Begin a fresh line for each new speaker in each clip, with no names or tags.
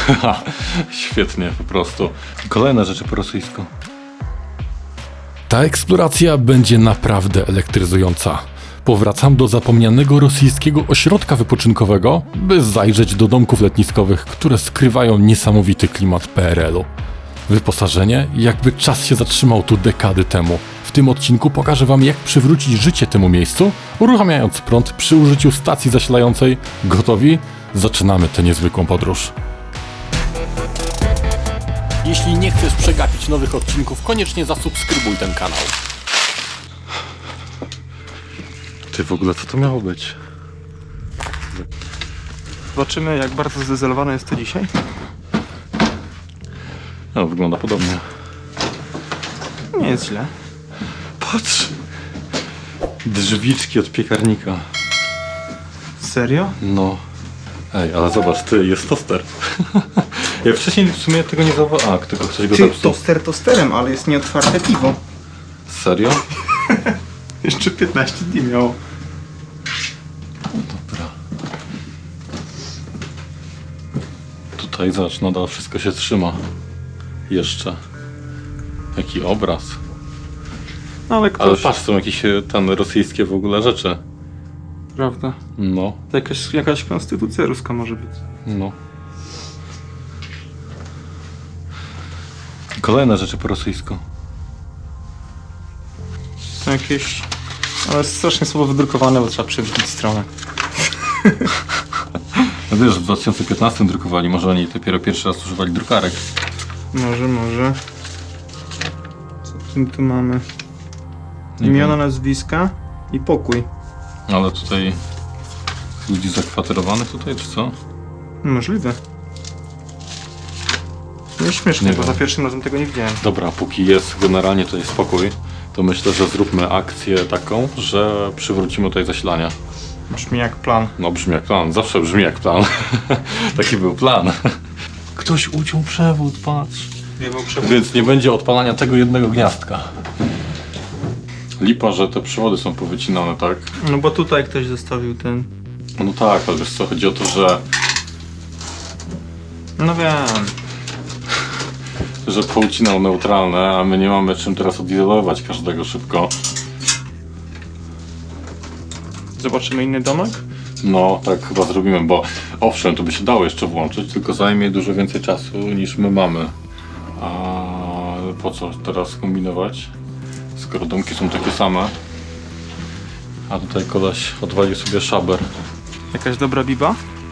Świetnie, po prostu. Kolejne rzeczy po rosyjsku.
Ta eksploracja będzie naprawdę elektryzująca. Powracam do zapomnianego rosyjskiego ośrodka wypoczynkowego, by zajrzeć do domków letniskowych, które skrywają niesamowity klimat PRL-u. Wyposażenie, jakby czas się zatrzymał tu dekady temu. W tym odcinku pokażę wam, jak przywrócić życie temu miejscu, uruchamiając prąd przy użyciu stacji zasilającej. Gotowi? Zaczynamy tę niezwykłą podróż. Jeśli nie chcesz przegapić nowych odcinków, koniecznie zasubskrybuj ten kanał.
Ty, w ogóle co to miało być?
Zobaczymy, jak bardzo zdezolowane jest to dzisiaj.
No, wygląda podobnie.
Nie jest źle.
Patrz! Drzwiczki od piekarnika.
Serio?
No. Ej, ale zobacz, ty, jest toster. Ja wcześniej w sumie tego nie zauważyłem. A, tylko ktoś go
Ty,
zepsuł.
toster tosterem, ale jest nieotwarte piwo.
Serio?
Jeszcze 15 dni miało.
Dobra. Tutaj zobacz, nadal wszystko się trzyma. Jeszcze. Jaki obraz.
No ale
Ale
ktoś...
patrz, są jakieś tam rosyjskie w ogóle rzeczy.
Prawda.
No,
To jakaś konstytucja ruska może być.
no. Kolejne rzeczy po rosyjsku.
Są jakieś... Ale strasznie słabo wydrukowane, bo trzeba przewrócić stronę.
No wiesz, w 2015 drukowali, może oni dopiero pierwszy raz używali drukarek.
Może. Co tu mamy?
Nie
Imiona,
wiem.
nazwiska i pokój.
Ale tutaj ludzi zakwaterowanych tutaj, czy co?
Możliwe. Nie śmiesznie,
Nie
bo
wiem.
za pierwszym razem tego nie widziałem.
Dobra, póki jest generalnie tutaj spokój, to myślę, że zróbmy akcję taką, że przywrócimy tutaj zasilanie.
Brzmi jak plan.
No brzmi jak plan, zawsze brzmi jak plan. Taki był plan. Ktoś uciął przewód, patrz. Więc nie będzie odpalania tego jednego gniazdka. Lipa, że te przewody są powycinane, tak?
No bo tutaj ktoś zostawił ten...
No tak, ale wiesz co, chodzi o to, że
No wiem.
poucinał neutralne, a my nie mamy czym teraz odizolować każdego szybko.
Zobaczymy inny domek?
No, tak chyba zrobimy, bo owszem, to by się dało jeszcze włączyć, tylko zajmie dużo więcej czasu niż my mamy. A po co teraz kombinować, skoro domki są takie same? A tutaj koleś odwalił sobie szaber.
Jakaś dobra biba?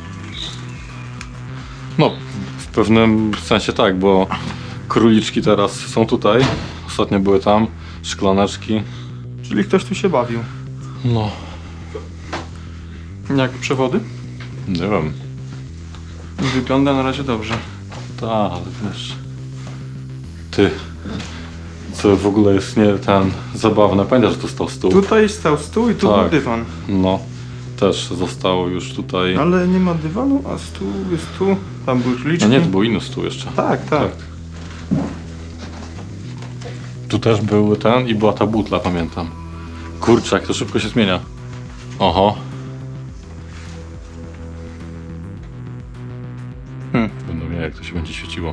No, w pewnym sensie tak, bo króliczki teraz są tutaj, ostatnio były tam, szklaneczki.
Czyli ktoś tu się bawił.
No,
Jak przewody?
nie wiem.
Wygląda na razie dobrze.
Tak, ale wiesz... Ty... Co w ogóle jest nie ten zabawne, pamiętasz, że tu stał stół?
Tutaj stał stół i tu
Tak.
był dywan.
No, też zostało już tutaj...
Ale nie ma dywanu, a stół jest tu. Tam były
No
liczki.
nie, to był inny stół jeszcze.
Tak.
Tu też był ten i była ta butla, pamiętam. Kurczę, jak to szybko się zmienia. Oho. Będą mieli, jak to się będzie świeciło.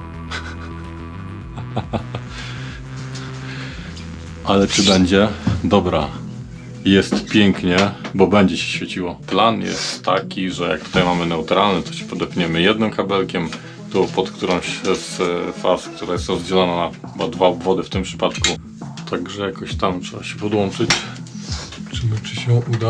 Ale czy będzie? Dobra. Jest pięknie, bo będzie się świeciło. Plan jest taki, że jak tutaj mamy neutralny, to się podepniemy jednym kabelkiem, tu pod którąś z faz, która jest rozdzielona na chyba 2 obwody w tym przypadku. Także jakoś tam trzeba się podłączyć. Czy się uda?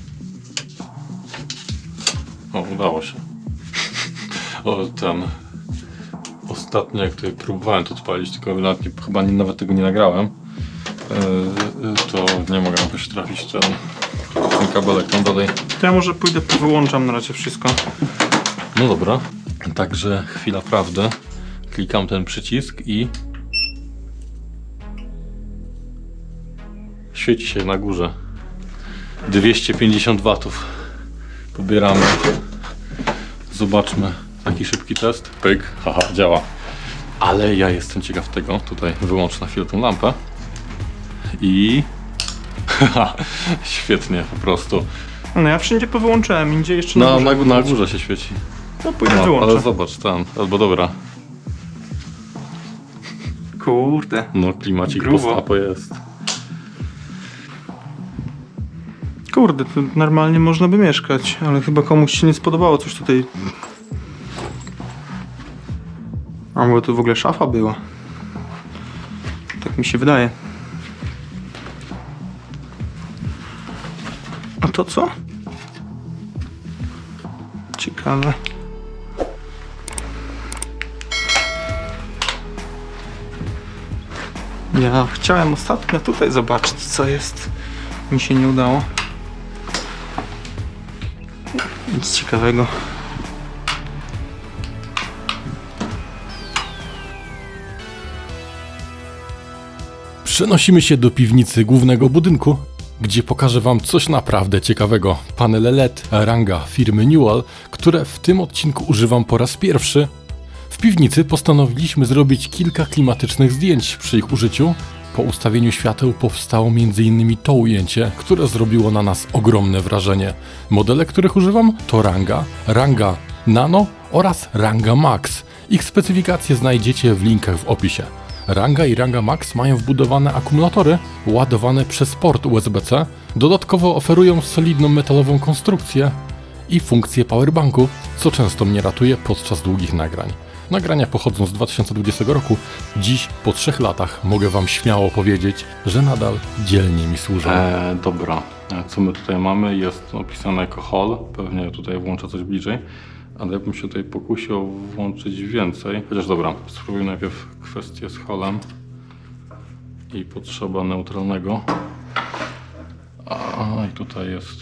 O, udało się. O, ten... Ostatnio jak tutaj próbowałem to odpalić, tylko nawet tego nie nagrałem, to nie mogę jakoś trafić ten kabelek tam dalej.
To ja może pójdę, wyłączam na razie wszystko.
No dobra, także chwila prawdy. Klikam ten przycisk i świeci się na górze. 250 watów. Pobieramy. Zobaczmy. Taki szybki test. Pyk. Haha, działa. Ale ja jestem ciekaw tego. Tutaj wyłączę na chwilę tą lampę. I... Haha, świetnie po prostu.
No ja wszędzie powyłączałem, indziej jeszcze
Na
górze.
górze się świeci.
to pójdę
No,
wyłączę.
ale zobacz, albo dobra.
Kurde.
No, klimacik
Grubo.
post-apo jest.
Kurde, tu normalnie można by mieszkać, ale chyba komuś się nie spodobało coś tutaj. A bo tu w ogóle szafa była. Tak mi się wydaje. A to co? Ciekawe. Ja chciałem ostatnio tutaj zobaczyć, co jest. Mi się nie udało. Nic ciekawego.
Przenosimy się do piwnicy głównego budynku, gdzie pokażę Wam coś naprawdę ciekawego. Panele LED Ranga firmy Newell, które w tym odcinku używam po raz pierwszy. W piwnicy postanowiliśmy zrobić kilka klimatycznych zdjęć przy ich użyciu. Po ustawieniu świateł powstało m.in. to ujęcie, które zrobiło na nas ogromne wrażenie. Modele, których używam to Ranga Nano oraz Ranga Max. Ich specyfikacje znajdziecie w linkach w opisie. Ranga i Ranga Max mają wbudowane akumulatory ładowane przez port USB-C. Dodatkowo oferują solidną metalową konstrukcję i funkcję powerbanku, co często mnie ratuje podczas długich nagrań. Nagrania pochodzą z 2020 roku. Dziś, po 3 latach, mogę Wam śmiało powiedzieć, że nadal dzielnie mi służą.
Dobra, co my tutaj mamy? Jest opisane jako hall. Pewnie tutaj włączę coś bliżej. Ale ja bym się tutaj pokusił włączyć więcej. Chociaż dobra, spróbuję najpierw kwestię z hallem. I potrzeba neutralnego. A i tutaj jest...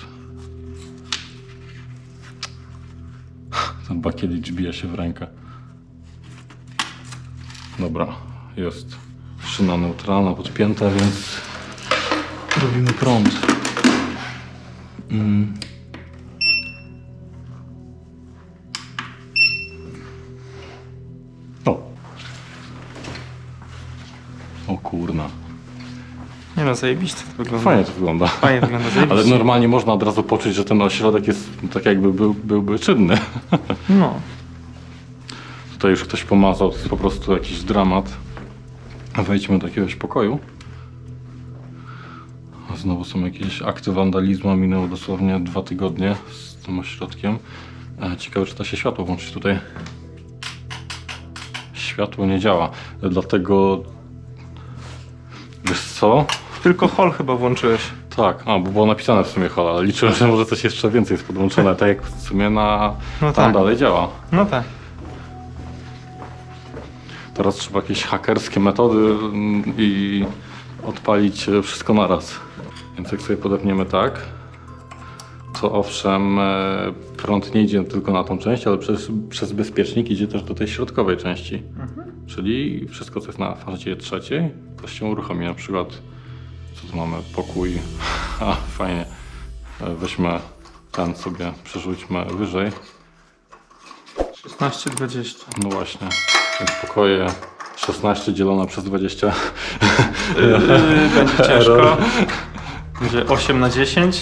Ten bakielicz bije się w rękę. Dobra, jest szyna neutralna podpięta, więc robimy prąd. O kurna.
Nie no, zajebiście to wygląda.
Fajnie to wygląda.
Fajnie wygląda, zajebiście.
Ale normalnie można od razu poczuć, że ten ośrodek jest tak jakby byłby czynny.
No.
Tutaj już ktoś pomazał, to jest po prostu jakiś dramat. Wejdźmy do jakiegoś pokoju. A znowu są jakieś akty wandalizmu, minęło dosłownie 2 tygodnie z tym ośrodkiem. Ciekawe, czy da się światło włączyć tutaj. Światło nie działa, dlatego... Wiesz co?
Tylko hall chyba włączyłeś.
Tak, bo było napisane w sumie hall, ale liczyłem, że może coś jeszcze więcej jest podłączone, tak jak w sumie
No
tam
tak.
dalej działa.
No tak.
Teraz trzeba jakieś hakerskie metody i odpalić wszystko naraz. Więc jak sobie podepniemy tak, to owszem prąd nie idzie tylko na tą część, ale przez bezpiecznik idzie też do tej środkowej części. Czyli wszystko co jest na fazie trzeciej, to się uruchomi. Na przykład co tu mamy? Pokój. Fajnie. Weźmy ten sobie, przerzućmy wyżej.
16-20.
No właśnie, więc pokoje 16 dzielone przez 20.
Będzie ciężko. Będzie 8/10.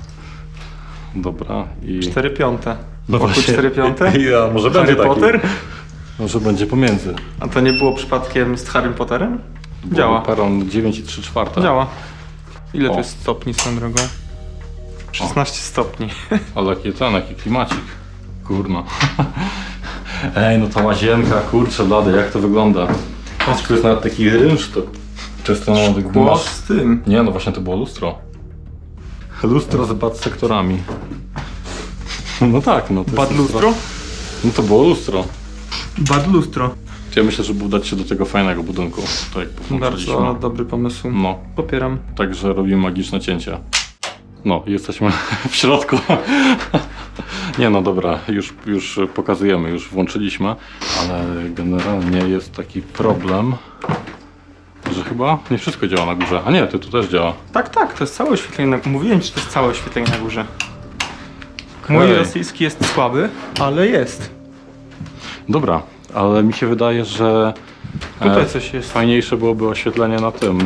Dobra i...
4/5.
No
Pokój
właśnie.
4/5.
Ja, może
Harry
będzie taki.
Potter?
Może będzie pomiędzy.
A to nie było przypadkiem z Harrym Potterem? Działa.
Peron 9 i 3/4.
Działa. Ile
O.
to jest stopni swoją drogą? 16 stopni.
Ale jaki klimacik. Kurna. Ej, no ta łazienka, kurczę blady, jak to wygląda. Patrz, tu jest nawet taki rynsztok. Często mam tak
Szkło z tym.
Nie, no właśnie to było lustro. Lustro z bad sektorami. No tak, no to
Bad
jest
lustro?
No to było lustro.
Bad lustro.
Ja myślę, żeby udać się do tego fajnego budynku. Tak jak powłączyliśmy.
Bardzo dobry pomysł.
No,
Popieram.
także robimy magiczne cięcia. No, jesteśmy w środku. Nie no dobra, już pokazujemy, już włączyliśmy, ale generalnie jest taki problem, że chyba nie wszystko działa na górze. A nie, tu też działa.
Tak, to jest całe oświetlenie. Mówiłem ci, że to jest całe oświetlenie na górze. Mój
Okej.
rosyjski jest słaby, ale jest.
Dobra, ale mi się wydaje, że
Tutaj coś jest.
fajniejsze byłoby oświetlenie na tym,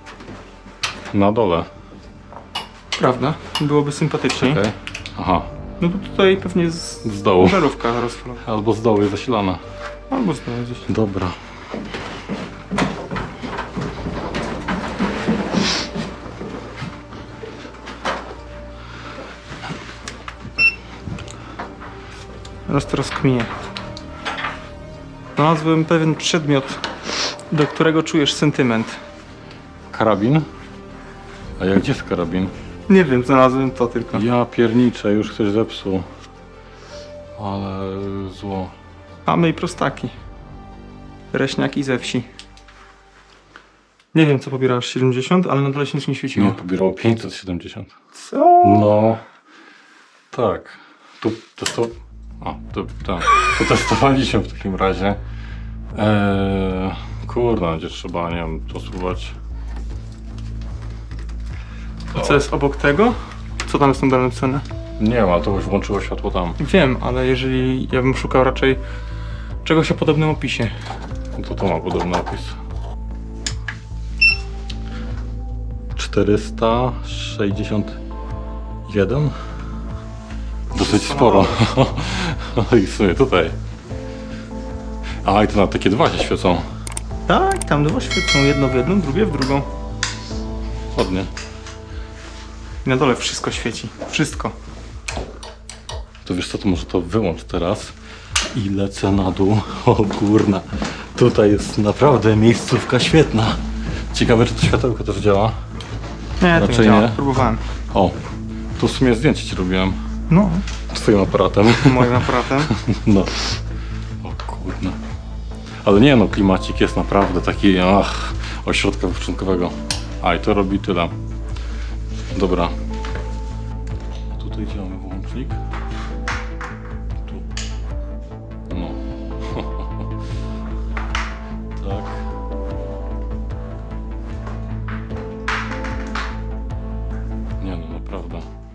na dole.
Prawda? Byłoby sympatyczniej.
Okej. Aha,
No to tutaj pewnie
Z dołu.
żarówka rozfalowa.
Albo z dołu jest zasilana.
Albo znowu gdzieś.
Dobra.
Teraz kminie. Znalazłem pewien przedmiot, do którego czujesz sentyment.
Karabin? A jak gdzie jest karabin?
Nie wiem, znalazłem to tylko.
Ja pierniczę, już ktoś zepsuł. Ale zło.
Mamy i prostaki. Reśniaki ze wsi. Nie wiem, co pobierasz, 70, ale na dole się nic nie świeciło.
Nie, pobierało 570.
Co?
No. Tak. Tu testo... A, to testowaliśmy w takim razie. Kurde, będzie trzeba, nie wiem, to spróbować.
A co jest obok tego? Co tam jest na dole napisane?
Nie wiem, ale to już włączyło światło tam.
Wiem, ale jeżeli ja bym szukał raczej czegoś o podobnym opisie.
No to ma podobny opis. 461? Dosyć sporo. I w sumie tutaj. A, i to na takie dwa się świecą.
Tak, tam dwa świecą, jedno w jedną, drugie w drugą.
Ładnie.
I na dole wszystko świeci. Wszystko.
To wiesz co, to może to wyłącz teraz. I lecę na dół. O kurna. Tutaj jest naprawdę miejscówka świetna. Ciekawe, czy to światełko też działa.
Nie, to
Raczej
nie działa.
nie.
Próbowałem.
O, tu w sumie zdjęcie ci robiłem.
No,
Twoim aparatem.
moim aparatem.
No. O kurna. Ale nie no, klimacik jest naprawdę taki, ośrodka wypoczynkowego. A i to robi tyle. Dobra. Tutaj działamy włącznik. Tu. No. Tak. Nie no, naprawdę.